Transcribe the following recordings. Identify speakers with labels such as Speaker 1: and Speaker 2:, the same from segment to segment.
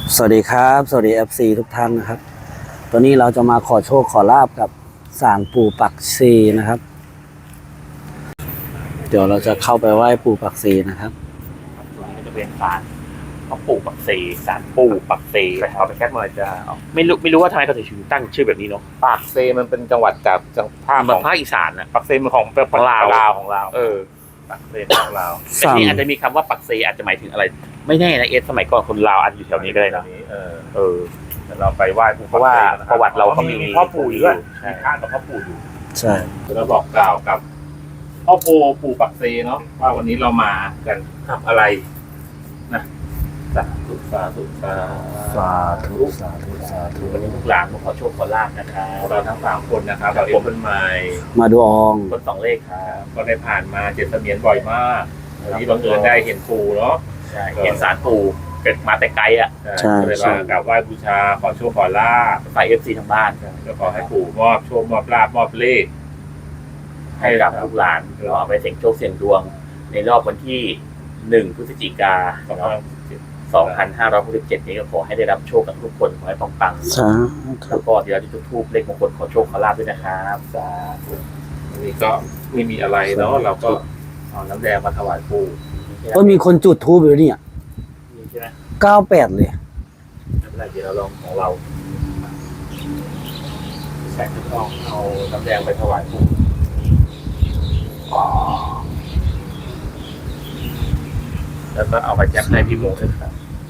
Speaker 1: สวัสดีครับสวัสดี FC ทุกท่านนะครับตอนนี้เราจะมาขอโชคขอลาบกับศาลปู่ปักซีนะครับเดี๋ยวเราจะเข้าไปไหว้ปู่ปักซีนะครับ
Speaker 2: ตรงนี้ก็จะเป็นศาลพ่อปู่ปักเสศาลปู่ปักเส
Speaker 3: เอาไปแคปมาจะ
Speaker 2: ไม่รู้ว่าทำไมเขาถึงตั้งชื่อแบบนี้เนาะ
Speaker 3: ปากเซมันเป็นจังหวัดจากภาคของ
Speaker 2: ภาคอีสานน่ะ
Speaker 3: ปากเซมันของ
Speaker 2: ของลาว
Speaker 3: ของลาวปากเซของลาว
Speaker 2: แต่นี่อาจจะมีคำว่าปักเสอาจจะหมายถึงอะไร ไม่แน่นะสมัยก่อนคนลาวอาจจะอยู่แถวนี้ก็ได้นะ
Speaker 3: เราไปไหว้ปู่
Speaker 2: เพราะว่าประวัติเราก็มี
Speaker 3: พ่อปู่อยู่ด้วยมีข้างกับพ่อปู่อยู่
Speaker 1: ใช่
Speaker 3: เราบอกกล่าวกับพ่อปู่ปักเซเนาะว่าวันนี้เรามากันทำอะไรนะสาธุสาธุสา
Speaker 1: สาธุสาธุสาธุ
Speaker 2: วันนี้ลูกหลานมาขอโชคขอลาบนะครับ
Speaker 3: เราทั้ง3คนนะครับเราเอ็มเป็นใหม่
Speaker 1: มาดูออง
Speaker 2: คน2เลขครับ
Speaker 3: ก็ได้ผ่านมาเจ็ดเสมียนบ่อยมากวันนี้บังเอิญได้เห็นปู่เนาะ
Speaker 2: ใช่เห็นศาลปู่เกิดมาแต่ไกลอ่ะ
Speaker 3: ก็เลยมากราบไหว้บูชาขอโชคขอลาบ
Speaker 2: ฝ่าย FC ทางบ้าน
Speaker 3: ก็ขอให้ปู่มอบโชคมอบลาบมอบเลข
Speaker 2: ให้กับลูกหลานเราเอาไปเสี่ยงโชคเสี่ยงดวง ในรอบวันที่1 พฤศจิกายน 2567 นี้ก็ขอให้ได้รับโชคกับทุกคนขอให้ปังๆ
Speaker 1: สาธุ
Speaker 2: แล้วก็เดี๋ยวเราจะจุดธูปเลขมงคลขอโชคขอลาบด้วยนะครับสาธุ
Speaker 3: วันนี้ก็ไม่มีอะไรเนาะเราก็เอาน้ำแดงมาถวายปู่
Speaker 1: ก็มีคนจุดทูบอยู่เนี่ย
Speaker 2: นี่ใช่ไหม
Speaker 1: 98เลย
Speaker 2: ไม่เป็นไรเดี๋ยวเราลองของเรา
Speaker 3: แสงทองเอาน้ำแดงไปถวายปู่แล้วก็เอาไปแจกให้พี่โมด้วยครับ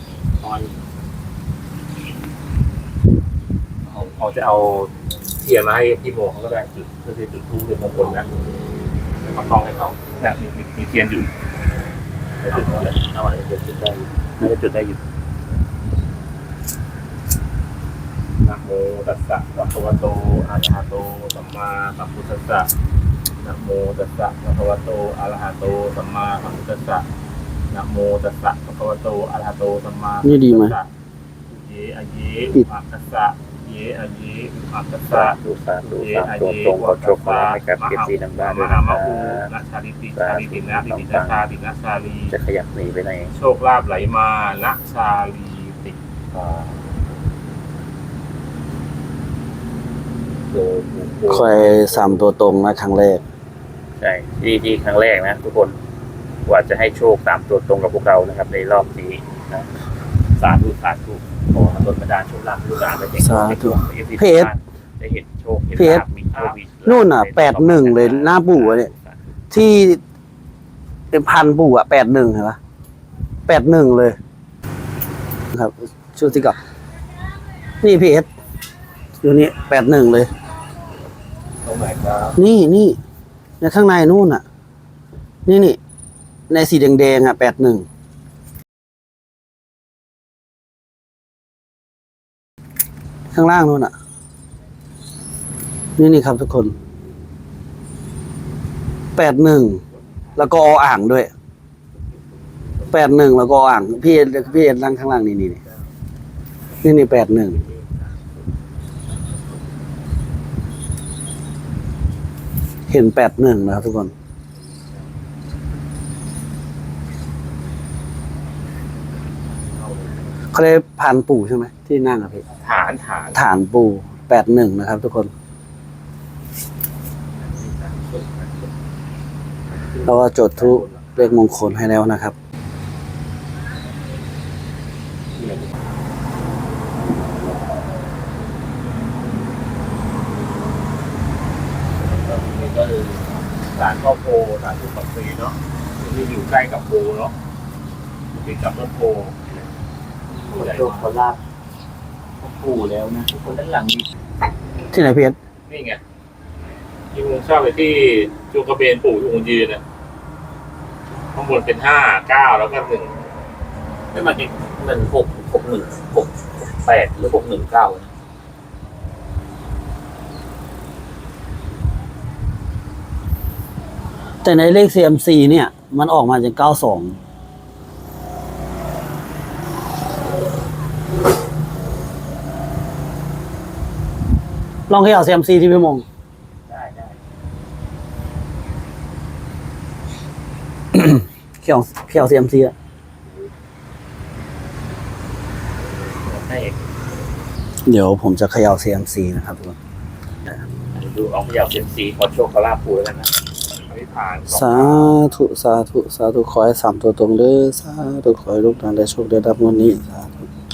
Speaker 3: เขาจะเอาเทียนมาให้พี่โมเขาก็ได้จุดเพื่อที่จุดธูปเป็นมงคลนะแล้วก็ต้องให้เขาเนี่ยมีเทียนอยู่
Speaker 2: เอาอะไรเดี๋ยวจุดได้น่าจะจุดได้อยู่
Speaker 3: นะโมตัสสะภะคะวะโตอะระหะโตสัมมาสัมพุทธัสสะนะโมตัสสะภะคะวะโตอะระหะโตสัมมาสัมพุทธัสสะนะโมตัสสะภะคะวะโตอะระหะโตสัมมาสัมพุทธัสสะ
Speaker 1: นี่ดีไหม
Speaker 3: เยอะเยอุปัสสะสะเยอะเยอุปัสสะสะ
Speaker 2: สาธุตรงขอโชคขอลาบให้กับ FC ทางบ้านด้วย
Speaker 3: ม
Speaker 2: นะ
Speaker 3: หา
Speaker 2: ค
Speaker 3: ม
Speaker 2: รับ
Speaker 3: หูนัชชาลิติชาลิตินะลิตินะชาลินะชาลี
Speaker 2: จะขยับหนีไปไหน
Speaker 3: โชคลาภไหลมานะชาลีติ
Speaker 1: คอย3ตัวตรงนะครั้งแรก
Speaker 2: ใช่ที่ครั้งแรกนะทุกคนกว่าจะให้โชค3ตัวตรงกับพวกเรานะครับ ในรอบนี้นะสาธุขอให้ดลบันดาลโชคลาภให้ลูกหลานได้เห็น
Speaker 1: สาธุ
Speaker 2: เพจได้เห็นโชคเห็นลาภมีโชคมี
Speaker 1: นู่นน่ะ81เลยหน้าปู่อะเนี่ย ที่เป็นพันปู่อ่ะ81เห็นปะ81เลยครับชุดที่กับนี่พีเอสอยู่นี่81เลย
Speaker 3: ตรงไหนครับ
Speaker 1: นี่ในข้างในนู่นอ่ะ นี่ในสีแดงๆอ่ะ81ข้างล่างนู่นอ่ะนี่ครับทุกคน81แล้วก็ออ่างด้วย81แล้วก็ออ่างพี่เอ็นนั่งข้างล่างนี่81เห็น81นะครับทุกคนเขาได้ผ่านปู่ใช่ไหมที่นั่งอะพี่ ฐานปู่81นะครับทุกคนเราก็จดทุกเลขมงคลให้แล้วนะครับ
Speaker 3: นี่ก็คือศาลพ่อโพศาลปู่ปักศรีเนาะที่อยู่ใกล้กับโพเนาะติดกับต้นโพ
Speaker 2: ขอโชคขอลาบปู่แล้วนะทุกคนด้านหลังมี
Speaker 1: ที่ไหนเพียร
Speaker 3: นี่ไงที่มึงชอบไปที่จูกระเบนปู่องค์ยืนนะข้างบนเป็น5 9แล้วก็1
Speaker 2: ไม่มาเก็บเงิน6 1 6 8หรือ6 1 9นะ
Speaker 1: แต่ในเลข CMC เนี่ย มันออกมาจาก92ลองเขย่า CMC ที่พี่มง
Speaker 2: ได้
Speaker 1: เขย่า CMC อะ
Speaker 2: ให้เอก
Speaker 1: เดี๋ยวผมจะเขย่า CMC นะครับทุกคน
Speaker 2: ดูเอาพยาวเซยมซีขอโชคขอลาภปูแล้วกันนะ
Speaker 3: อธิษฐาน
Speaker 1: สาธุสาธุสาธุขอให้3ตัวตรงเด้อสาธุขอให้ลูกหลานได้โชคได้รับงวดนี้สาธุ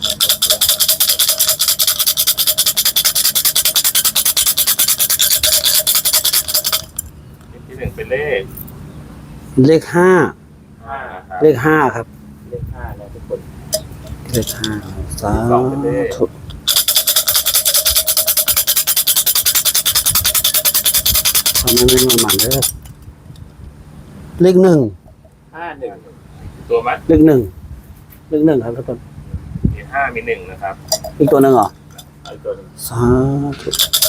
Speaker 3: ที่หนึ่งเป็นเลข
Speaker 1: เลขห้า
Speaker 3: 5ครับ
Speaker 1: เลขห้าครับ
Speaker 2: เลข5นะทุกคน
Speaker 1: เลขห้าสาธุทำให้ไม่มาหมันเด้อเลขหนึ่ง
Speaker 2: 51
Speaker 3: ตัวมัด
Speaker 1: เลขหนึ่งเลขหนึ่งครับทุกคน
Speaker 3: มี5มี1นะครับ
Speaker 1: อีกตัวหนึ่งเหรอ
Speaker 2: เอาอีกตัวหนึง
Speaker 1: สาธุ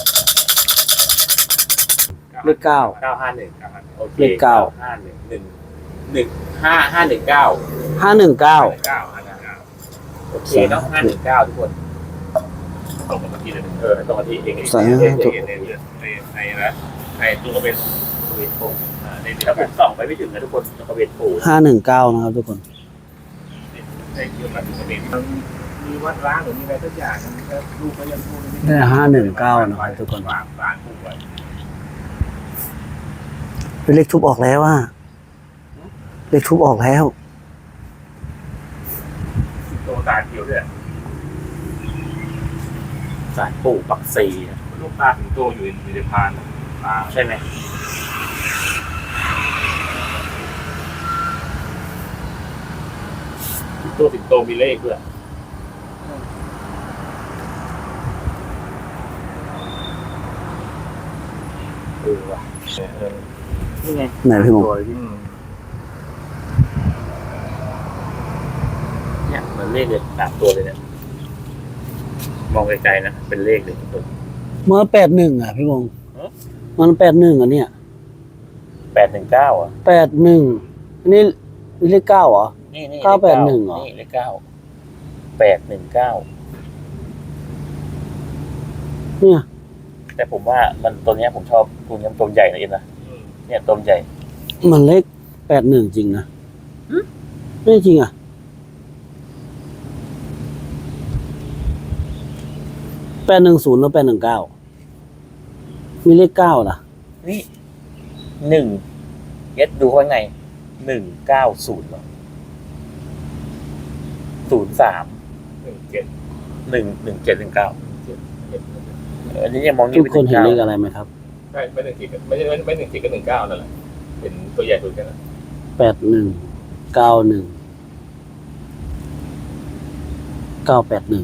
Speaker 1: เลขเก้า
Speaker 2: 951โอเค
Speaker 1: เลขเก้า
Speaker 2: 511 519
Speaker 1: 519
Speaker 2: โอเคเนาะ519ทุกคน
Speaker 3: ตรงกับที่เลย
Speaker 2: ตรงกับที่เอง
Speaker 1: สาธุ
Speaker 3: ในนะในตัวก็เป็น
Speaker 2: เวนโปูในถ้าผมส่องไปไม่ถึงนะทุกคนตรงกับเวนโปู
Speaker 1: 519นะครับทุกคน
Speaker 3: ในเกี่ยวกับตัวเป็นมีวัดร้างหรือมีอะไรสักอย่างลูกก็ยังพูด
Speaker 1: ได้519นะครับทุกคน
Speaker 3: ฝากร้านผู้ไว้
Speaker 1: เป็นเลขทุบออกแล้วว่าเลขทุบออกแล้ว
Speaker 3: ตัวตาเขียวด้วย
Speaker 2: สารปู่ปักซีอะ
Speaker 3: ลูกตาถึงโตอยู่ในพานตา
Speaker 2: ใช่ไหม
Speaker 3: ตัวสิงโตมีเลขด้วย
Speaker 2: ว่ะนี่ไง
Speaker 1: ไหนพี่หมง
Speaker 2: เนี่ยเหมือนเลขเลย3ตัวเลยเนี่ยมองไกลๆนะเป็นเลขเลยทุกคน
Speaker 1: เมื่อ81อ่ะพี่มง
Speaker 2: ฮะ
Speaker 1: มัน81อ่ะเนี่ย
Speaker 2: 819อ่ะ
Speaker 1: 81อันนี้เลข9เหรอ
Speaker 2: นี่นี่
Speaker 1: 981เหรอ
Speaker 2: นี่เลข9 819
Speaker 1: เนี่ย
Speaker 2: แต่ผมว่ามันตัวเนี้ยผมชอบตัวนี้มันตัวใหญ่นะเอ็นนะเนี่ยตัวใหญ่
Speaker 1: มันเลข81จริงนะไม่จริงอ่ะ810แล้ว819มีเลข9ล่ะ
Speaker 2: นี่1เอสดูว่าไง190เหรอ03
Speaker 3: 17
Speaker 2: 11719อันนี้ยังมอง
Speaker 1: ทุกคนเห็นเลขอะไรไหมครับ
Speaker 3: ใช่ไม่1 7ไม่ใช่ไม่1 7ก็19นั่นแหละเป็นตัวใหญ่สุดกันนะ
Speaker 1: 8191 981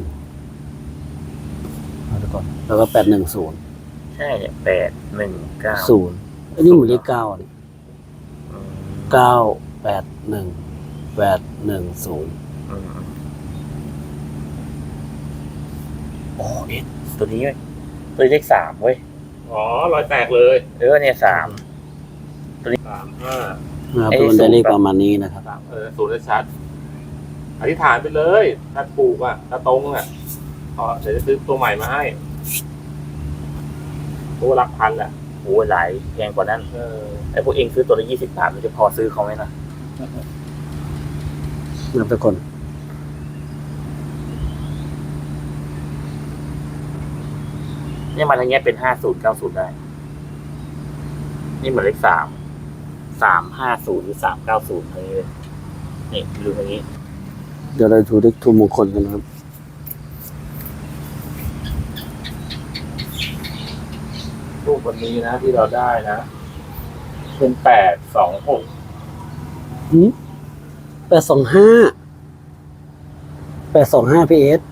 Speaker 1: เอาทุกคนแล้วก็810
Speaker 2: ใช่เนี่ย819
Speaker 1: อันนี้เหมือนเลข9เนี่ย981 810
Speaker 2: โอ้เอสตัวนี้เว้ยตัวเลข3เว้ย
Speaker 3: อ๋อรอยแตกเลย
Speaker 2: เนี่ย3
Speaker 3: 35
Speaker 1: นะครับทุกคนได้เลขประมาณนี้นะครับ
Speaker 3: ศูนย์ชัดอธิษฐานไปเลยถ้าถูกอ่ะถ้าตรงอ่ะเดี๋ยวจะซื้อตัวใหม่มาให้ตัวหลักพันแหละ
Speaker 2: โอ้ยหลายแพงกว่านั้นไอ้พวกเองซื้อตัวละ20 บาทมันจะพอซื้อเขาไหมนะ
Speaker 1: นะครับทุกคน
Speaker 2: เนี่ยมันอย่างเงี้ยเป็น5090ได้นี่เหมือนเลข350หรือ390อะไรเลยนี่ดูอย่างนี้
Speaker 1: เดี๋ยวเราดูเลขทูปมงคลกันนะครับ
Speaker 3: รูปวันนี้นะที่เราได้นะ เป็น826
Speaker 1: 825พีเอส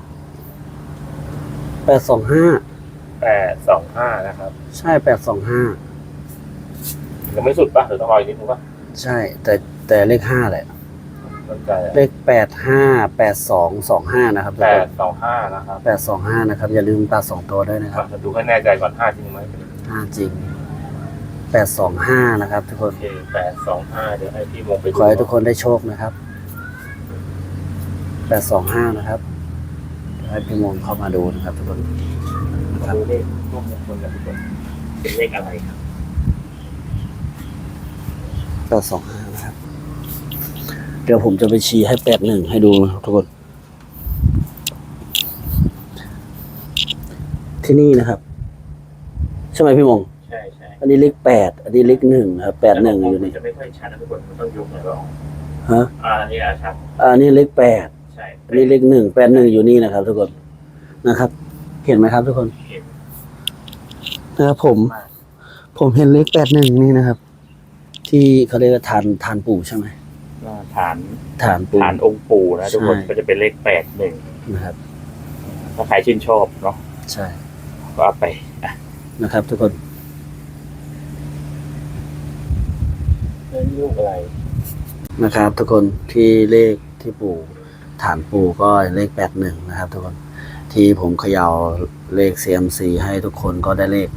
Speaker 1: 825
Speaker 3: 825นะครับ
Speaker 1: ใช่825
Speaker 3: ยังไม่สุดป่ะหรือต้องรออีกนิดนึงป่ะ
Speaker 1: ใช่แต่เลข5แหละ
Speaker 3: มั่นใจ
Speaker 1: เลข858225นะครับทุกคน
Speaker 3: 825นะครับ
Speaker 1: 825นะครับอย่าลืมตัด2ตัวด้วยนะครับ
Speaker 3: จะดูให้แน่ใจก่อน5จริงไหม
Speaker 1: 5จริง825นะครับทุกค
Speaker 3: โอน เค825เดี๋ยวให้พี่มงไปดู
Speaker 1: ขอให้ทุกคนได้โชคนะครับ825นะครับเดี๋ยวให้พี่มงเข้ามาดูนะครับทุกคนนะครับ
Speaker 2: ดูเลขร่วมมงคลกันทุกคนเป็นเลขอะไรครับ
Speaker 1: 825นะครับเดี๋ยวผมจะไปชี้ให้81ให้ดูนะครับทุกคนที่นี่นะครับใช่ไหมพี่มง
Speaker 2: ใช่ใช่
Speaker 1: อันนี้เลข8อันนี้เลข1ครับ81อยู่นี่
Speaker 2: จะไม่ค่อยชัดนะทุกคนมันต้องยกหน่อยว่า
Speaker 1: ฮะ
Speaker 2: อันนี้ชัด
Speaker 1: อันนี้เลข8
Speaker 2: ใช่
Speaker 1: อันนี้เลข181อยู่นี่นะครับ ทุกคนนะครับ เห็นไหมครับ ทุกคน
Speaker 2: เห็น
Speaker 1: นะครับผมเห็นเลข81นี่นะครับ ที่เขาเรียกว่าทานปู่ใช่ไหม
Speaker 2: ฐาน
Speaker 1: ฐานปู่
Speaker 2: ฐานองค์ปู่นะทุกคน
Speaker 1: ใช่
Speaker 2: ก็จะเป็นเลข81
Speaker 1: นะครับ
Speaker 2: ถ้าใครชื่นชอบเนาะ
Speaker 1: ใช่
Speaker 2: ก็เอาไปอ่ะ
Speaker 1: นะครับ ทุกคน
Speaker 2: ลูกอะไร
Speaker 1: นะครับ ทุกคนที่เลขที่ปู่ฐานปู่ก็เลข81นะครับ ทุกคนที่ผมเขย่าเลข CMC ให้ทุกคนก็ได้เลข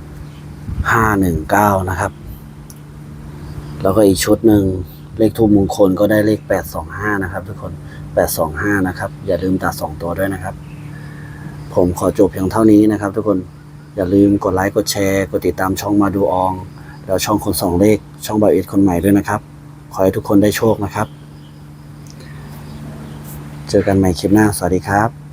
Speaker 1: 519นะครับ แล้วก็อีกชุดหนึ่งเลขทูปมงคลก็ได้เลข825นะครับ ทุกคน825นะครับอย่าลืมตัด2ตัวด้วยนะครับ ผมขอจบเพียงเท่านี้นะครับ ทุกคนอย่าลืมกดไลค์กดแชร์กดติดตามช่องมาดูอองแล้วช่องคนสองเลขช่องบ่าวอิทคนใหม่ด้วยนะครับขอให้ทุกคนได้โชคนะครับ เจอกันใหม่คลิปหน้าสวัสดีครับ